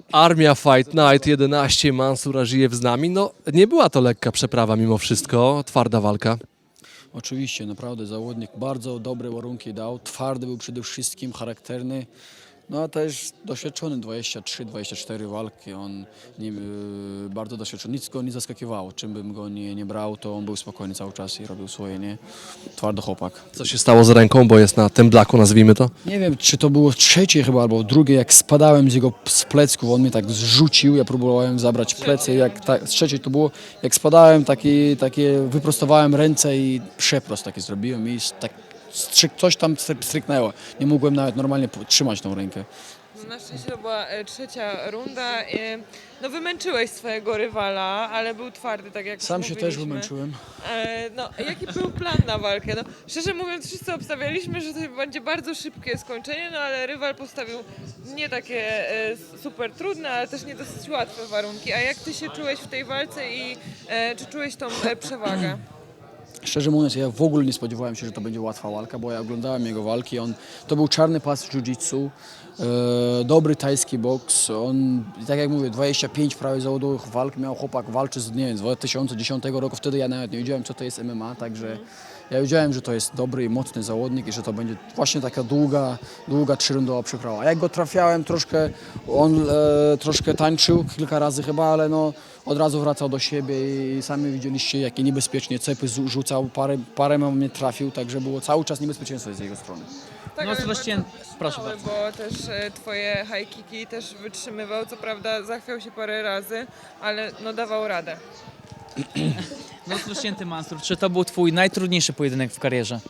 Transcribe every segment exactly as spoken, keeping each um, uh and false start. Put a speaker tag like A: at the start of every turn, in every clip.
A: Armia Fight Night jedenaście, Mansur Ażijew z nami. No, nie była to lekka przeprawa mimo wszystko, twarda walka.
B: Oczywiście, naprawdę zawodnik bardzo dobre warunki dał, twardy był przede wszystkim, charakterny, no a też doświadczony, dwadzieścia trzy dwadzieścia cztery walki, on nim, yy, bardzo doświadczony, nic go nie zaskakiwało, czym bym go nie, nie brał, to on był spokojny cały czas i robił swoje, nie? Twardy chłopak.
A: Co się stało z ręką, bo jest na tym blaku, nazwijmy to?
B: Nie wiem, czy to było trzecie chyba, albo drugie, jak spadałem z jego z plecków, on mnie tak zrzucił, ja próbowałem zabrać plecy, jak ta, z trzeciej to było, jak spadałem, taki, takie wyprostowałem ręce i przeprost taki zrobiłem i tak stryk, coś tam stryknęło. Nie mogłem nawet normalnie po- trzymać tą rękę.
C: Na szczęście to była e, trzecia runda. E, no wymęczyłeś swojego rywala, ale był twardy, tak jak
B: Sam
C: już
B: się też
C: mówiliśmy.
B: wymęczyłem.
C: E, no, jaki był plan na walkę? No, szczerze mówiąc, wszyscy obstawialiśmy, że to będzie bardzo szybkie skończenie, no ale rywal postawił nie takie e, super trudne, ale też nie dosyć łatwe warunki. A jak ty się czułeś w tej walce i e, czy czułeś tą e, przewagę?
B: Szczerze mówiąc, ja w ogóle nie spodziewałem się, że to będzie łatwa walka, bo ja oglądałem jego walki. On, to był czarny pas w jiu-jitsu, e, dobry tajski boks. On, tak jak mówię, dwadzieścia pięć prawie zawodowych walk miał chłopak, walczy z, nie wiem, z dwa tysiące dziesiątego roku. Wtedy ja nawet nie wiedziałem, co to jest M M A, także ja wiedziałem, że to jest dobry i mocny zawodnik i że to będzie właśnie taka długa, długa trzyrundowa przeprawa. A jak go trafiałem troszkę, on e, troszkę tańczył kilka razy chyba, ale no od razu wracał do siebie i sami widzieliście, jakie niebezpiecznie cepy zu- rzucał, parę, parę mnie trafił, także było cały czas niebezpieczeństwo z jego strony.
C: Tak,
D: No,
C: ale
D: Sebastian,
C: bardzo
D: proszę
C: śmiały, bo też e, twoje high kicki też wytrzymywał, co prawda zachwiał się parę razy, ale no dawał radę.
D: No rozpoczęty Mansur, czy to był twój najtrudniejszy pojedynek w karierze?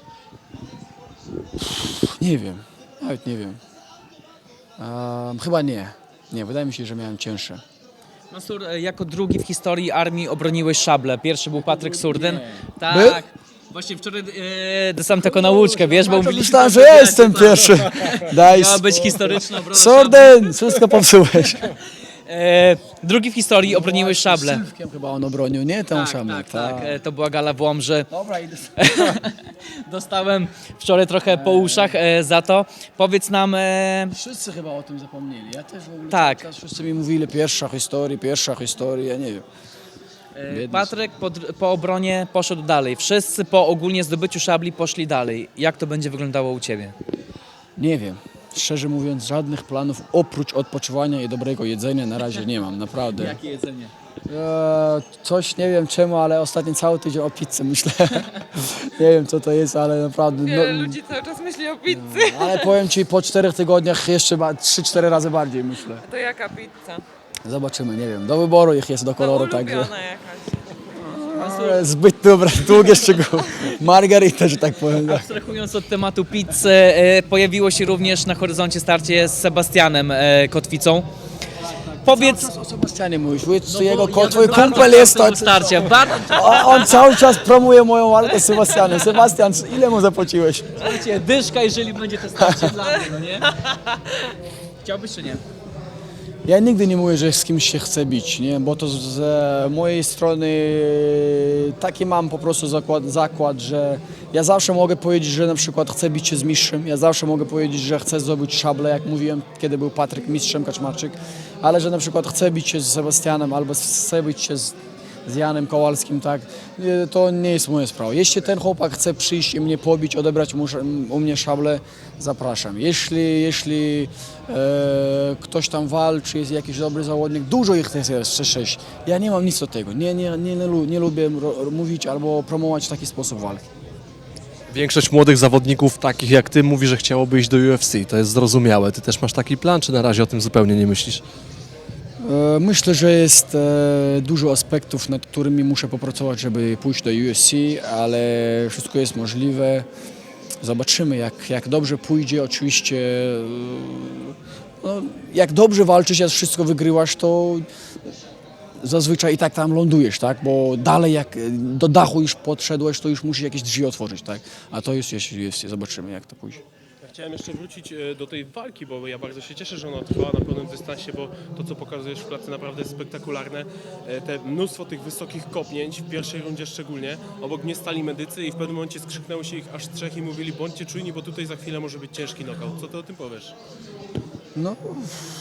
B: Nie wiem, nawet nie wiem. Ehm, chyba nie. Nie, wydaje mi się, że miałem cięższe.
D: Mansur, e, jako drugi w historii armii obroniłeś szablę. Pierwszy był Patryk Surdyn.
B: Był?
D: Tak. Właśnie wczoraj e, dostałem taką nauczkę, wiesz, bo mówiliśmy...
B: Myślałem, że ja jestem pierwszy. Daj
D: Miała być
B: spokój.
D: historyczna obrona szabli.
B: Sorden, wszystko popsułeś.
D: E, drugi w historii obroniłeś szablę.
B: Sylwkiem chyba on obronił, nie? Tą
D: Tak,
B: szablę.
D: tak, tak. E, to była gala w Łomży.
B: Dobra, idę.
D: Dostałem wczoraj trochę po uszach e, za to. Powiedz nam... E,
B: Wszyscy chyba o tym zapomnieli. Ja też w ogóle
D: Tak.
B: cały czas wszyscy mi mówili pierwsza historia, pierwsza historia, ja nie wiem.
D: E,
B: Biedny
D: Patryk po, dr- po obronie poszedł dalej. Wszyscy po ogólnie zdobyciu szabli poszli dalej. Jak to będzie wyglądało u Ciebie?
B: Nie wiem. Szczerze mówiąc, żadnych planów oprócz odpoczywania i dobrego jedzenia na razie nie mam, naprawdę.
D: Jakie jedzenie?
B: Eee, coś nie wiem czemu, ale ostatni cały tydzień o pizzy myślę. Nie wiem co to jest, ale naprawdę.
C: Wiele
B: No,
C: ludzi cały czas myśli o pizzy.
B: ale powiem Ci, po czterech tygodniach jeszcze trzy cztery razy bardziej myślę.
C: To jaka pizza?
B: Zobaczymy, nie wiem. Do wyboru ich jest do
C: No
B: koloru,
C: ulubiona
B: także.
C: jakaś.
B: Ale zbyt dobra, długie szczegóły. Margarita, że tak powiem.
D: Abstrahując od tematu pizzy, e, pojawiło się również na horyzoncie starcie z Sebastianem e, Kotwicą. Powiedz...
B: O Sebastianie mówisz, mówisz,
D: No
B: to jego
D: bo
B: ko,
D: ja
B: twój
D: bardzo
B: kumpel jest to.
D: chciałem tego starcia, bardzo...
B: O, on cały czas promuje moją walkę z Sebastianem. Sebastian, ile mu zapłaciłeś?
D: Słuchajcie, dyszka, jeżeli będzie to starcie dla mnie, no nie? Chciałbyś czy nie?
B: Ja nigdy nie mówię, że z kimś się chcę bić, nie? Bo to z, z mojej strony taki mam po prostu zakład, zakład, że ja zawsze mogę powiedzieć, że na przykład chcę bić się z mistrzem, ja zawsze mogę powiedzieć, że chcę zdobyć szablę, jak mówiłem, kiedy był Patryk mistrzem Kaczmarczyk, ale że na przykład chcę bić się z Sebastianem albo chcę bić się z, z Janem Kowalskim, tak, nie, to nie jest moja sprawa. Jeśli ten chłopak chce przyjść i mnie pobić, odebrać mu, u mnie szablę, zapraszam. Jeśli, jeśli e, ktoś tam walczy, jest jakiś dobry zawodnik, dużo ich jest jeszcze sześć. Ja nie mam nic do tego. Nie, nie, nie, nie, lu- nie lubię ro, mówić albo promować w taki sposób walki.
A: Większość młodych zawodników, takich jak ty, mówi, że chciałoby iść do U F C. To jest zrozumiałe. Ty też masz taki plan, czy na razie o tym zupełnie nie myślisz?
B: E, Myślę, że jest e, dużo aspektów, nad którymi muszę popracować, żeby pójść do U F C, ale wszystko jest możliwe. Zobaczymy, jak, jak dobrze pójdzie. Oczywiście, e, no, jak dobrze walczysz, jak wszystko wygrywasz, to zazwyczaj i tak tam lądujesz, tak? Bo dalej jak do dachu już podszedłeś, to już musisz jakieś drzwi otworzyć, tak? A to jest, jest, jest zobaczymy, jak to pójdzie.
E: Chciałem jeszcze wrócić e, do tej walki, bo ja bardzo się cieszę, że ona trwała na pełnym dystansie, bo to, co pokazujesz w klatce, naprawdę jest spektakularne. E, Te mnóstwo tych wysokich kopnięć, w pierwszej rundzie szczególnie, obok mnie stali medycy i w pewnym momencie skrzyknęło się ich aż trzech i mówili: bądźcie czujni, bo tutaj za chwilę może być ciężki knockout. Co ty o tym powiesz?
B: No,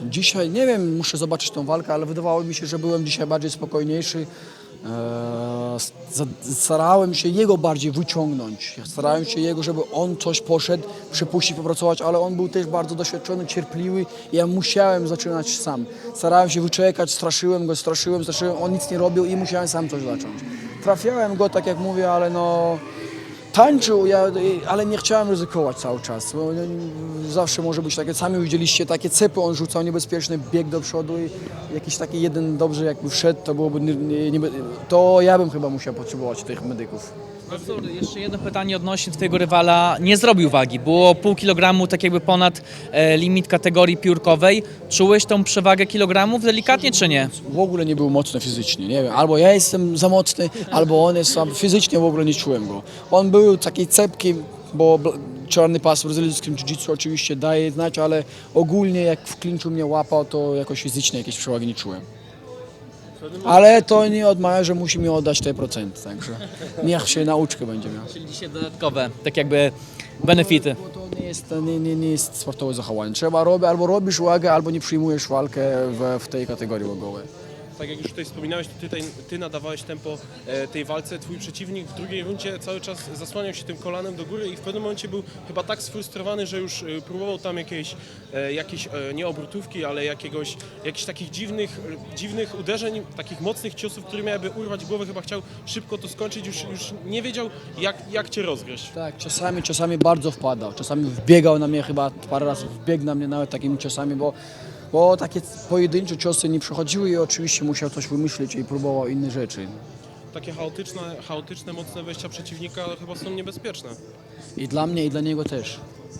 B: Dzisiaj, nie wiem, muszę zobaczyć tą walkę, ale wydawało mi się, że byłem dzisiaj bardziej spokojniejszy. Eee, za- starałem się jego bardziej wyciągnąć. Starałem się jego, żeby on coś poszedł, przypuścić, popracować, ale on był też bardzo doświadczony, cierpliwy i ja musiałem zaczynać sam. Starałem się wyczekać, straszyłem go, straszyłem, straszyłem, on nic nie robił i musiałem sam coś zacząć. Trafiałem go, tak jak mówię, ale no... Tańczył, ja, ale nie chciałem ryzykować cały czas. Bo zawsze może być takie, sami widzieliście, takie cepy on rzucał niebezpieczny, bieg do przodu i jakiś taki jeden dobrze jakby wszedł, to byłoby, nie, nie, nie, to ja bym chyba musiał potrzebować tych medyków.
D: Mansur, jeszcze jedno pytanie odnośnie twojego rywala. Nie zrobił wagi, było pół kilogramu tak jakby ponad e, limit kategorii piórkowej. Czułeś tą przewagę kilogramów delikatnie czy nie?
B: W ogóle nie był mocny fizycznie, nie wiem, albo ja jestem za mocny, albo on jest słaby. Fizycznie w ogóle nie czułem go. On był taki cepki, bo bl- czarny pas w brazylijskim jiu-jitsu oczywiście daje znać, ale ogólnie jak w klinczu mnie łapał, to jakoś fizycznie jakieś przewagi nie czułem. Ale to nie odmawia, że musi mi oddać te procenty, także niech się nauczkę będzie miał.
D: Czyli dzisiaj dodatkowe, tak jakby benefity.
B: Bo to nie jest, nie, nie, nie jest sportowe zachowanie. Trzeba robić, albo robisz wagę, albo nie przyjmujesz walkę w, w tej kategorii wagowej.
E: Tak jak już tutaj wspominałeś, to ty, ty nadawałeś tempo e, tej walce, twój przeciwnik w drugiej rundzie cały czas zasłaniał się tym kolanem do góry i w pewnym momencie był chyba tak sfrustrowany, że już e, próbował tam jakiejś, e, jakieś, e, nie obrotówki, ale jakiegoś, jakichś takich dziwnych, e, dziwnych uderzeń, takich mocnych ciosów, które miałyby urwać głowę, chyba chciał szybko to skończyć, już, już nie wiedział jak, jak cię rozgryźć.
B: Tak, czasami, czasami bardzo wpadał, czasami wbiegał na mnie, chyba parę razy wbiegł na mnie nawet takimi ciosami, bo, bo takie pojedyncze ciosy nie przechodziły i oczywiście musiał coś wymyślić i próbował inne rzeczy.
E: Takie chaotyczne, chaotyczne, mocne wejścia przeciwnika chyba są niebezpieczne.
B: I dla mnie, i dla niego też.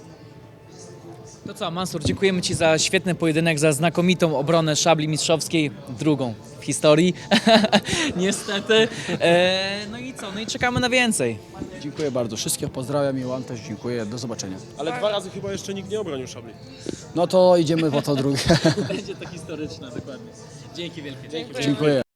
D: To co, Mansur, dziękujemy Ci za świetny pojedynek, za znakomitą obronę szabli mistrzowskiej, drugą w historii, niestety. E, no i co, no i czekamy na więcej.
B: Dziękuję bardzo, wszystkich pozdrawiam i Wam też dziękuję, do zobaczenia.
E: Ale dwa razy chyba jeszcze nikt nie obronił szabli.
B: No to idziemy po to drugie.
D: Będzie to historyczne, dokładnie. Dzięki wielkie.
B: Dziękuję.